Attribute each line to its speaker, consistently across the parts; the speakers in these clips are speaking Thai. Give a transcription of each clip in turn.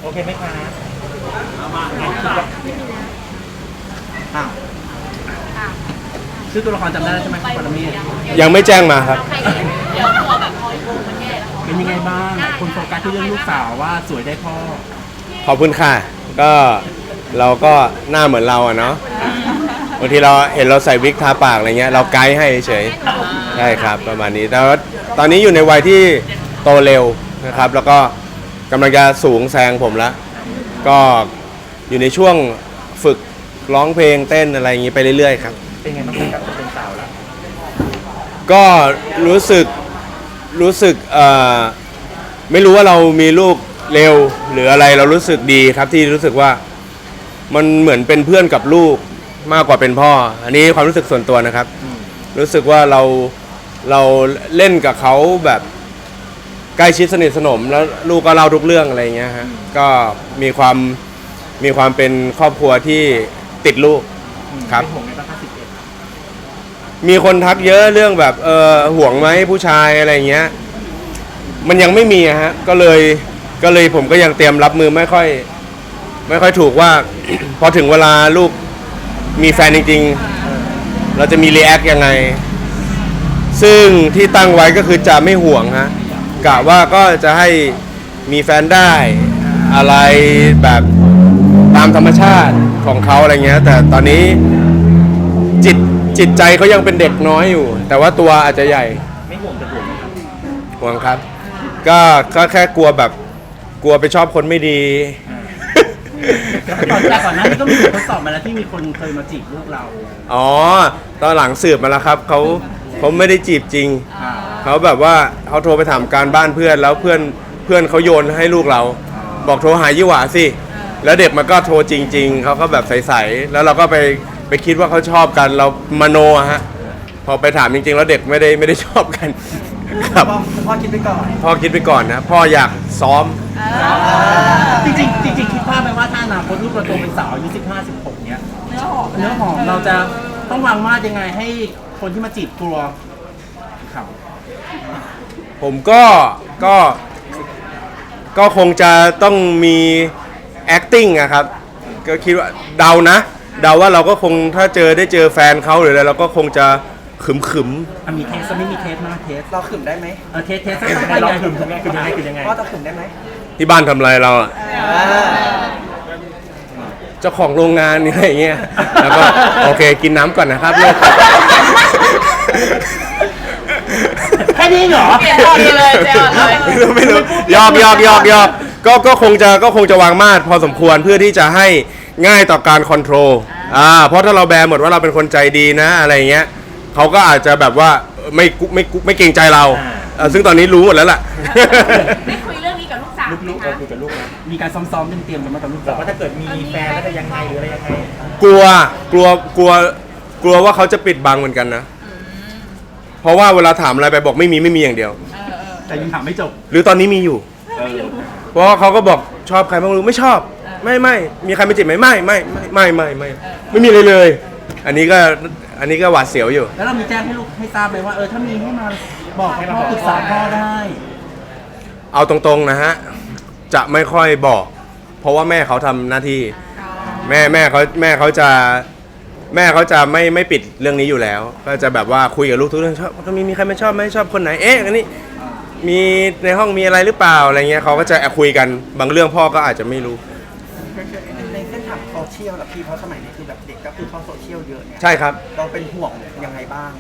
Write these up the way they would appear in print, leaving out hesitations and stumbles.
Speaker 1: เคไหมคะอ้าวชื่อตัวละครจำได้ใช่ไหมปรเมศ
Speaker 2: ยังไม่แจ้งมาครับ
Speaker 3: เดี๋ยวพอแบบพอโกงมันแย่แล้ว
Speaker 1: เป็นยังไงบ้างคนโฟกัสที่เรื่องลูกสาวว่าสวยได้พ่อ
Speaker 2: ขอบคุณค่ะก็เราก็หน้าเหมือนเราอะเนาะบางทีเราเห็นเราใส่วิกทาปากอะไรเงี้ยเราไกด์ให้เฉยใช่ครับประมาณนี้แต่ว่าตอนนี้อยู่ในวัยที่โตเร็วนะครับแล้วก็กำลังจะสูงแซงผมแล้วก็อยู่ในช่วงฝึกร้องเพลงเต้นอะไรอย่างนี้ไปเรื่อยๆครับ
Speaker 1: เป็นไงบ้างกับเป็นสาวแล้ว
Speaker 2: ก็รู้สึกไม่รู้ว่าเรามีลูกเร็วหรืออะไรเรารู้สึกดีครับที่รู้สึกว่ามันเหมือนเป็นเพื่อนกับลูกมากกว่าเป็นพ่ออันนี้ความรู้สึกส่วนตัวนะครับรู้สึกว่าเราเล่นกับเขาแบบใกล้ชิดสนิทสนมแล้วลูกก็เล่าทุกเรื่องอะไรเงี้ยฮะก็มีความเป็นครอบครัวที่ติดลูกครับมีคนทักเยอะเรื่องแบบห่วงไหมผู้ชายอะไรเงี้ยมันยังไม่มีฮะก็เลยผมก็ยังเตรียมรับมือไม่ค่อยถูกว่า พอถึงเวลาลูกมีแฟนจริงๆเราจะมีรีแอคยังไงซึ่งที่ตั้งไว้ก็คือจะไม่ห่วงฮะกะว่าก็จะให้มีแฟนได้อะไรแบบตามธรรมชาติของเขาอะไรเงี้ยแต่ตอนนี้จิตใจเขายังเป็นเด็กน้อยอยู่แต่ว่าตัวอาจจะใหญ่
Speaker 1: ไม่ห่วงจะห่วงไหมครับ
Speaker 2: ห่วงครับก็แค่กลัวแบบกลัวไปชอบคนไม่ดี
Speaker 1: แต่ก่อนหน้านี้ก็มีทดสอบมาแล้วที่มีคนเคยมาจีบลูกเรา
Speaker 2: อ๋อตอนหลังสืบมาแล้วครับเขาไม่ได้จีบจริงเขาแบบว่าเขาโทรไปถามการบ้านเพื่อนแล้วเพื่อนเขาโยนให้ลูกเราบอกโทรหายี่หว่าสิแล้วเด็กมันก็โทรจริงๆเขาก็แบบใสๆแล้วเราก็ไปคิดว่าเขาชอบกันเรามโนฮะพอไปถามจริงๆแล้วเด็กไม่ได้ชอบกันครับ
Speaker 1: พ่อคิดไปก่อน
Speaker 2: พ่อคิดไปก่อนนะพ่ออยากซ้อม
Speaker 1: จริงคิดภาพไปว่าถ้าอนาคตลูกเราโตเป็นสาวอายุ15-16เนี้ยเนื้อหอมเราจะต้องวางมาดยังไงให้คนที่มาจีบกลัวครับ
Speaker 2: ผมก็คงจะต้องมี acting อะครับก็คิดว่าเดาว่าเราก็คงถ้าได้เจอแฟนเขาหรืออะไรเราก็คงจะขึม
Speaker 1: มีเทสไม่มีเทสมาเทส
Speaker 4: เราขึมได้ไหม
Speaker 1: เทสเราขึมยังไง
Speaker 4: พ่อจะขึมได้ไหม
Speaker 2: ที่บ้านทำอะไรเราอะเจ้าของโรงงานอะไรอย่างเงี้ยแล้วก็โอเคกินน้ำก่อนนะครับลูก
Speaker 1: แค่นี้เหรอ
Speaker 2: ไม่รู้ยอกก็คงจะวางมาตรพอสมควรเพื่อที่จะให้ง่ายต่อการคอนโทรลเพราะถ้าเราแบร์หมดว่าเราเป็นคนใจดีนะอะไรเงี้ยเขาก็อาจจะแบบว่าไม่เกรงใจเราซึ่งตอนนี้รู้หมดแล้วล่ะ
Speaker 3: ได้คุยเรื่องนี้กับลูกสาว
Speaker 1: ลูกคุยกับลูกมีการซ้อมเตรียมกันมากับลูกสาวว่าถ้าเกิดมีแฟนแล้วจะยังไงหรืออะไรยังไง
Speaker 2: กลัวว่าเขาจะปิดบังเหมือนกันนะเพราะว่าเวลาถามอะไรไปบอกไม่มีอย่างเดียว
Speaker 1: แต่ยังถามไม่จบ
Speaker 2: หรือตอนนี้มีอยู่เพราะเขาก็บอกชอบใครบ้างรู้ไม่ชอบไม่มีใครมาจีบไหมไม่มีเลยอันนี้ก็หวาดเสียวอยู่
Speaker 1: แล้วเรามีแจ้งให้ลูกให้ทราบไหมว่าถ้ามีให้มาบอกให้พ่อปรึกษาพ่อได้
Speaker 2: เอาตรงๆนะฮะจะไม่ค่อยบอกเพราะว่าแม่เขาทำหน้าที่แม่เขาจะไม่ปิดเรื่องนี้อยู่แล้วก็จะแบบว่าคุยกับลูกทุกเรื่องชอบมีใครไม่ชอบไหมชอบคนไหนอันนี้มีในห้องมีอะไรหรือเปล่าอะไรเงี้ยเขาก็จะคุยกันบางเรื่องพ่อก็อาจจะไม่รู้
Speaker 4: ในเส้นทางโซเชียลหรอพี่เพราะสมัยนี้คือแบบเด็กก็คือเข้าโซเชียลเยอะเนี่ย
Speaker 2: ใช่ครับ
Speaker 4: เราเป็นห่วงยังไงบ้าง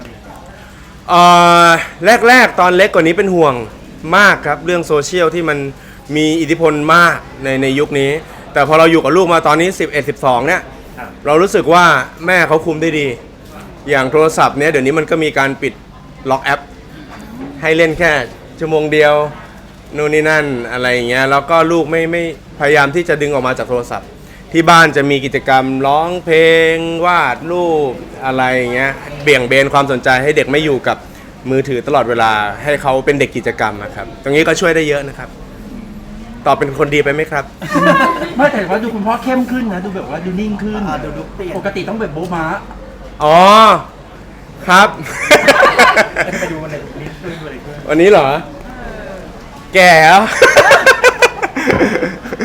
Speaker 2: แรกตอนเล็กกว่านี้เป็นห่วงมากครับเรื่องโซเชียลที่มันมีอิทธิพลมากในยุคนี้แต่พอเราอยู่กับลูกมาตอนนี้11-12เนี่ยเรารู้สึกว่าแม่เขาคุมได้ดีอย่างโทรศัพท์เนี่ยเดี๋ยวนี้มันก็มีการปิดล็อกแอปให้เล่นแค่ชั่วโมงเดียวนู่นนี่นั่นอะไรอย่างเงี้ยแล้วก็ลูกไม่พยายามที่จะดึงออกมาจากโทรศัพท์ที่บ้านจะมีกิจกรรมร้องเพลงวาดรูปอะไรอย่างเงี้ยเบี่ยงเบนความสนใจให้เด็กไม่อยู่กับมือถือตลอดเวลาให้เขาเป็นเด็กกิจกรรมนะครับตรงนี้ก็ช่วยได้เยอะนะครับตอบเป็นคนดีไปไหมครับ
Speaker 1: ไม่แต่ว่าดูคุณพ่อเข้มขึ้นนะดูแบบว่าดูนิ่งขึ้นดูเปลี่ยนปกติต้องแบบโบ๊ะม้า
Speaker 2: อ๋อครับ
Speaker 1: ไปดูวันไหน
Speaker 2: วันนี้เหรอแก่แล้ว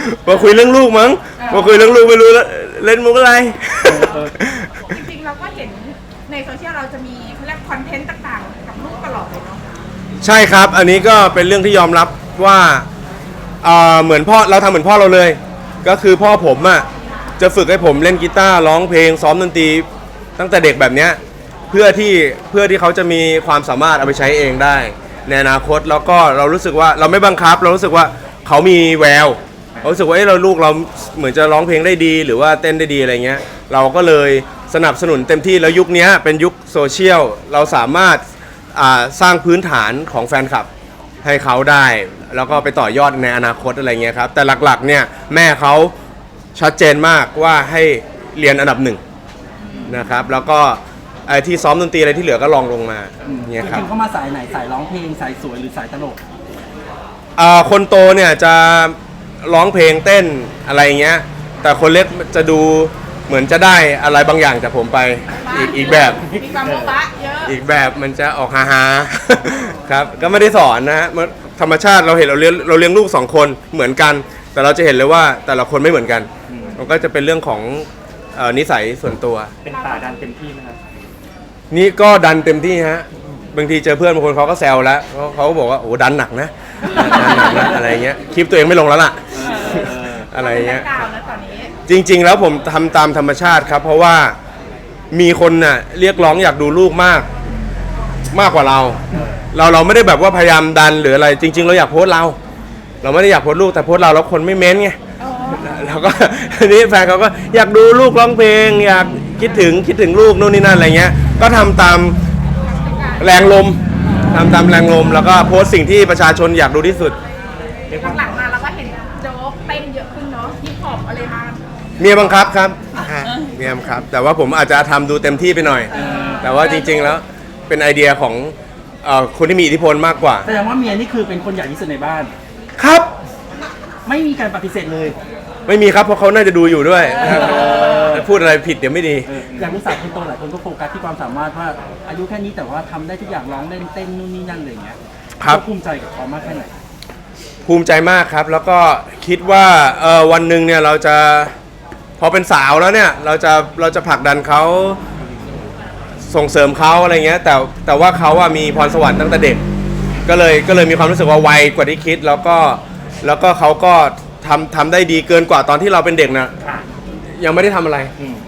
Speaker 2: มาคุยเรื่องลูกมั้งมาคุยเรื่องลูกไม่รู้แล้วเล่นมุกอะไร
Speaker 3: จริงๆเราก็เห็นในโซเชียลเราจะมีเขาเรียกคอนเทนต์ต่างๆ กับลูกตลอดเลยเนาะ
Speaker 2: ใช่ครับ อันนี้ก็เป็นเรื่องที่ยอมรับว่าเหมือนพ่อเราทำเหมือนพ่อเราเลย ก็คือพ่อผมอ่ะจะฝึกให้ผมเล่นกีตาร์ร้องเพลงซ้อมดนตรีตั้งแต่เด็กแบบเนี้ยเพื่อที่เขาจะมีความสามารถเอาไปใช้เองได้ในอนาคตแล้วก็เรารู้สึกว่าเราไม่บังคับ เรารู้สึกว่าเขามีแววเรารู้สึกว่าเราลูกเราเหมือนจะร้องเพลงได้ดี หรือว่าเต้นได้ดีอะไรเงี้ยเราก็เลยสนับสนุนเต็มที่แล้วยุคนี้เป็นยุคโซเชียลเราสามารถสร้างพื้นฐานของแฟนคลับให้เขาได้ แล้วก็ไปต่อยอดในอนาคตอะไรเงี้ยครับแต่หลักๆเนี่ยแม่เขาชัดเจนมากว่าให้เรียนอันดับหนึ่งนะครับแล้วก็ไอ้ที่ซ้อมดนตรีอะไรที่เหลือก็ลองลงมาเนี่ยครับ
Speaker 1: จริงๆเขามาสายไหนสายร้องเพลงสายสวยหรือสายตลก
Speaker 2: คนโตเนี่ยจะร้องเพลงเต้นอะไรเงี้ยแต่คนเล็กจะดูเหมือนจะได้อะไรบางอย่างจากผมไปอีกแบบ
Speaker 3: มีความโบ๊ะบะเยอะ
Speaker 2: อีกแบบมันจะออกฮาๆ ครับก็ไม่ได้สอนนะฮะธรรมชาติเราเห็นเราเลี้ยงลูก2คนเหมือนกัน แต่เราจะเห็นเลยว่าแต่ละคนไม่เหมือนกันมันก็จะเป็นเรื่องของนิสัยส่วนตัว
Speaker 1: เป็นป่าดันเต็มที่ไหมครับ
Speaker 2: นี่ก็ดันเต็มที่ฮะบางทีเจอเพื่อนบางคนเขาก็แซวแล้วเขาก็บอกว่าโอ้ดันหนักนะดันหนักนะอะไรเงี้ยคลิปตัวเองไม่ลงแล้วล่ะอะไรเงี้ย
Speaker 3: กาวนะตอนนี้
Speaker 2: จริงๆแล้วผมทำตามธรรมชาติครับเพราะว่ามีคนน่ะเรียกร้องอยากดูลูกมากกว่าเราไม่ได้แบบว่าพยายามดันหรืออะไรจริง ๆ เราอยากโพสต์เราไม่ได้อยากโพสต์ลูกแต่โพสต์เราแล้วคนไม่เม้นไงแล้วก็ทีนี้แฟนเขาก็อยากดูลูกร้องเพลงอยากคิดถึงลูกนู่นนี่นั่นอะไรเงี้ยก็ทำตามแรงลมแล้วก็โพสต์สิ่งที่ประชาชนอยากดูที่สุด
Speaker 3: หลังๆมาเราก็เห็นโจ๊กเต้นเยอะขึ้นเนาะฮิปฮอปอะไรมา
Speaker 2: เมียบังคับครับเมียบังคับ แต่ว่าผมอาจจะทำดูเต็มที่ไปหน่อย แต่ว่าจริงๆแล้วเป็นไอเดียของคนที่มีอิทธิพลมากกว่า
Speaker 1: แสดงว่าเมียนี่คือเป็นคนใหญ่ที่สุดในบ้าน
Speaker 2: ครับ
Speaker 1: ไม่มีการปฏิเสธเลย
Speaker 2: ไม่มีครับเพราะเขาน่าจะดูอยู่ด้วยพูดอะไรผิดเดี๋ยวไม่ดี
Speaker 1: อย่างลูกสาวคนโตหลายคนก็โฟกัสที่ความสามารถว่าอายุแค่นี้แต่ว่าทำได้ทุกอย่างร้องเล่นเต้นนู่นนี่นั่นอะไรอย่างเงี้ย
Speaker 2: ครับ
Speaker 1: ภูมิใจกับเขามากแค่ไหน
Speaker 2: ภูมิใจมากครับ แล้วก็คิดว่าวันหนึ่งเนี่ยเราจะพอเป็นสาวแล้วเนี่ยเราจะผลักดันเขาส่งเสริมเขาอะไรเงี้ยแต่ว่าเขาอะมีพรสวรรค์ตั้งแต่เด็กก็เลยมีความรู้สึกว่าไวกว่าที่คิดแล้วก็เขาก็ทำได้ดีเกินกว่าตอนที่เราเป็นเด็กนะยังไม่ได้ทำอะไร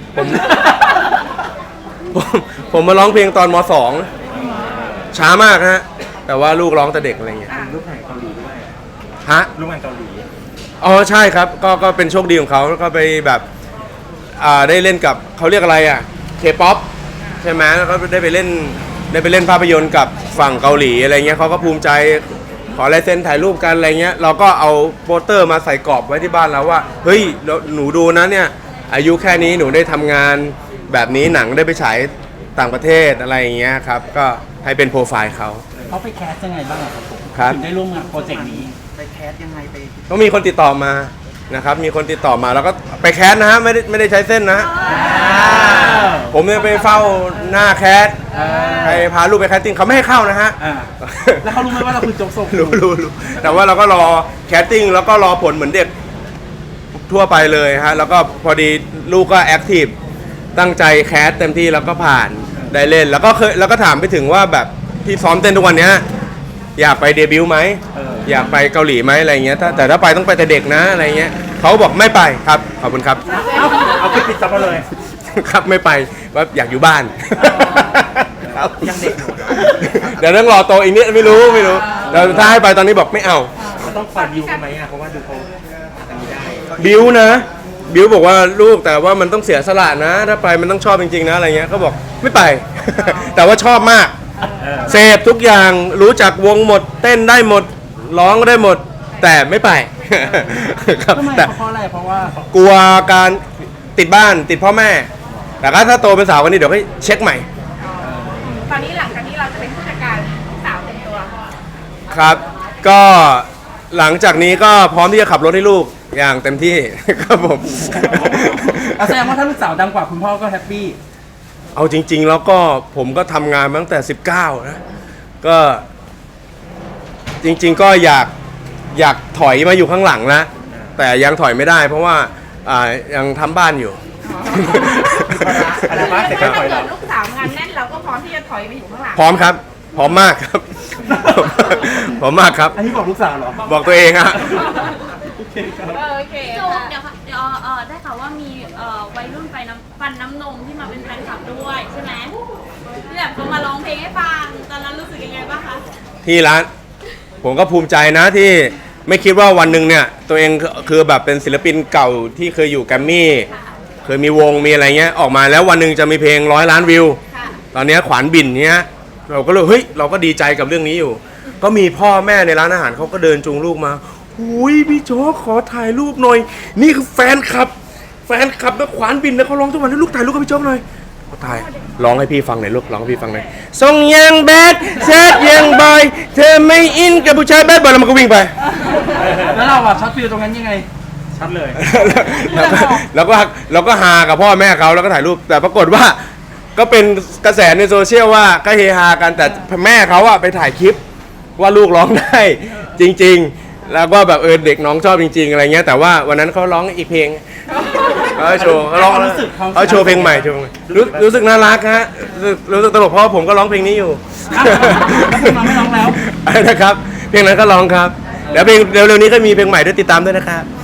Speaker 2: ผมมาร้องเพลงตอนม.2 ช้ามากฮะแต่ว่าลูกร้องแต่เด็กอะไรเงี้ย
Speaker 1: ลูกแห่งเกาหลีด้วย
Speaker 2: ฮะ
Speaker 1: ลูกแห่งเกาหลี
Speaker 2: อ๋อใช่ครับก็เป็นโชคดีของเขาแล้วก็ไปแบบได้เล่นกับเขาเรียกอะไรอ่ะเคป๊อปใช่ไหมแล้วก็ได้ไปเล่นภาพยนตร์กับฝั่งเกาหลีอะไรเงี้ยเขาก็ภูมิใจขอลายเซ็นถ่ายรูปกันอะไรเงี้ยเราก็เอาโปสเตอร์มาใส่กรอบไว้ที่บ้านเราว่าเฮ้ยหนูดูนะเนี่ยอายุแค่นี้หนูได้ทำงานแบบนี้หนังได้ไปฉายต่างประเทศอะไรอย่างเงี้ยครับก็ให้เป็นโปรไฟล์เขา
Speaker 1: เขาไปแคสยังไงบ้างอะครับผม
Speaker 2: ครับ
Speaker 1: ถึงได้ร่วมงานโปรเจกต์นี้
Speaker 4: ไปแคสยังไงไป
Speaker 2: ก็มีคนติดต่อมานะครับมีคนติดต่อมาแล้วก็ไปแคสนะฮะไม่ได้ใช้เส้นนะ ผมเนี่ยไปเฝ้าหน้าแคสไปพาลูกไปแคสติ้งเขาไม่ให้เข้านะฮะ
Speaker 1: แล้วเขารู้ไหมว่าเราคือโจ๊กโซ
Speaker 2: รู้แต่ว่าเราก็รอแคสติ้งแล้วก็รอผลเหมือนเด็กทั่วไปเลยฮะแล้วก็พอดีลูกก็แอคทีฟตั้งใจแคสเต็มที่แล้วก็ผ่านได้เล่นแล้วก็ถามไปถึงว่าแบบที่ซ้อมเต้นทุกวันเนี้ยอยากไปเดบิวต์ไหมอยากไปเกาหลีไหมอะไรเงี้ยแต่ถ้าไปต้องไปแต่เด็กนะอะไรเงี้ยเขาบอกไม่ไปครับขอบคุณครับ
Speaker 1: เอาไปปิดจับมาเลย
Speaker 2: ครับไม่ไปว่าอยากอยู่บ้านครับ
Speaker 1: ยังเด็กอยู่
Speaker 2: เดี๋ยวต้องรอโตอีกนิดไม่รู้แต่ถ้าให้ไปตอนนี้บอกไม่เอา
Speaker 1: เราต้องปล่อยดิวกันไหมอะเพราะว่าดูเขาอันนี้ได้
Speaker 2: บิวนะบิวบอกว่าลูกแต่ว่ามันต้องเสียสละนะ ถ้าไปมันต้องชอบจริงๆนะอะไรเงี้ยเขาบอกไม่ไป แต่ว่าชอบมากเสพทุกอย่างรู้จักวงหมดเต้นได้หมดร้องก็ได้หมด แต่ไม่ไป ครับ
Speaker 1: ทำไม
Speaker 2: แต่
Speaker 1: เพราะอะไรเพราะว่า
Speaker 2: กลัวการติดบ้านติดพ่อแม่ แต่ถ้าโตเป็นสาวกันนี้เดี๋ยวให้เช็คใหม่
Speaker 3: ตอนนี้หลังจากนี้เราจะเป็นผู้จัดการสาวเต็มตัว
Speaker 2: ครับ ก็หลังจากนี้ก็พร้อมที่จะขับรถให้ลูกอย่างเต็มที่ ครับผม
Speaker 1: แสดงว่าถ้าลูกสาวดังกว่าคุณพ่อก็แฮปปี้
Speaker 2: เอาจริง ๆ แล้วก็ผมก็ทำงานมาตั้งแต่ 19 นะ ก็จริง ๆ ก็อยากถอยมาอยู่ข้างหลังนะแต่ยังถอยไม่ได้ เพราะว่ายังทำบ้านอยู่
Speaker 1: อะไรบ้างเสร็จ
Speaker 3: ถ้า
Speaker 1: ก็ถอย
Speaker 3: เกิ
Speaker 1: เรา
Speaker 3: ดลูกสาวงานแน่นเราก็พร้อมที่จะถอยไปอยู่ข้างหลัง
Speaker 2: พร้อมครับ พร้อมมากครับ พร้อมมากครับ
Speaker 1: อันนี้บอกลูกสาวเหรอ
Speaker 2: บอกตัวเองอะ
Speaker 1: โอเคครับ
Speaker 3: โอเค
Speaker 5: โจเดี๋ยวค่ะเดี๋ยวได้ข่าวว่ามีวัยรุ่นฟันน้ำนมที่มาเป็นแฟนคลับด้วยใช่ไหมที่แบบเขามาร้องเพลงให้ฟังตอนนั้นรู้สึกยังไงบ้างคะ
Speaker 2: ที่ร้านผมก็ภูมิใจนะที่ไม่คิดว่าวันหนึ่งเนี่ยตัวเองคือแบบเป็นศิลปินเก่าที่เคยอยู่แกรมมี่เคยมีวงมีอะไรเงี้ยออกมาแล้ววันหนึ่งจะมีเพลง100 ล้านวิว
Speaker 5: ค่ะ
Speaker 2: ตอนเนี้ยขวานบินเนี้ยเราก็เลยเฮ้ยเราก็ดีใจกับเรื่องนี้อยู่ ก็มีพ่อแม่ในร้านอาหารเขาก็เดินจูงลูกมาหุยพี่โจ๊กขอถ่ายรูปหน่อย นี่คือแฟนคลับนะขวานบินนะเขาร้องทุกวันให้ลูกถ่ายรูปกับพี่โจ๊กหน่อยเขาถ่ายร้องให้พี่ฟังหน่อยลูกร้องให้พี่ฟังหน่อยส่งยังแบดแซดยังบอยเธอไม่อินกับผู้ชายแบดบอยแล้วมันก็วิ่งไป
Speaker 1: แล้วเราอะช็อตฟิลตรงนั้นยังไงชัดเลย
Speaker 2: เราก็ฮากับพ่อแม่เขาแล้วก็ถ่ายรูปแต่ปรากฏว่าก็เป็นกระแสในโซเชียลว่าก็เฮฮากันแต่แม่เขาอะไปถ่ายคลิปว่าลูกร้องได้จริงๆ แล้วก็แบบเด็กน้องชอบจริงๆอะไรเงี้ยแต่ว่าวันนั้นเขาร้องอีกเพลงเขาโชว์เขาร้องเขาโชว์เพลงใหม่รู้สึกน่ารักฮะรู้สึกตลกเพราะผมก็ร้องเพลงนี้อยู่
Speaker 1: แล้วเพลงเราไม่ร้องแล้ว
Speaker 2: นะครับเพลงนั้นก็ร้องครับแล้วเพลงเร็วๆนี้ก็มีเพลงใหม่ด้วยติดตามด้วยนะครับ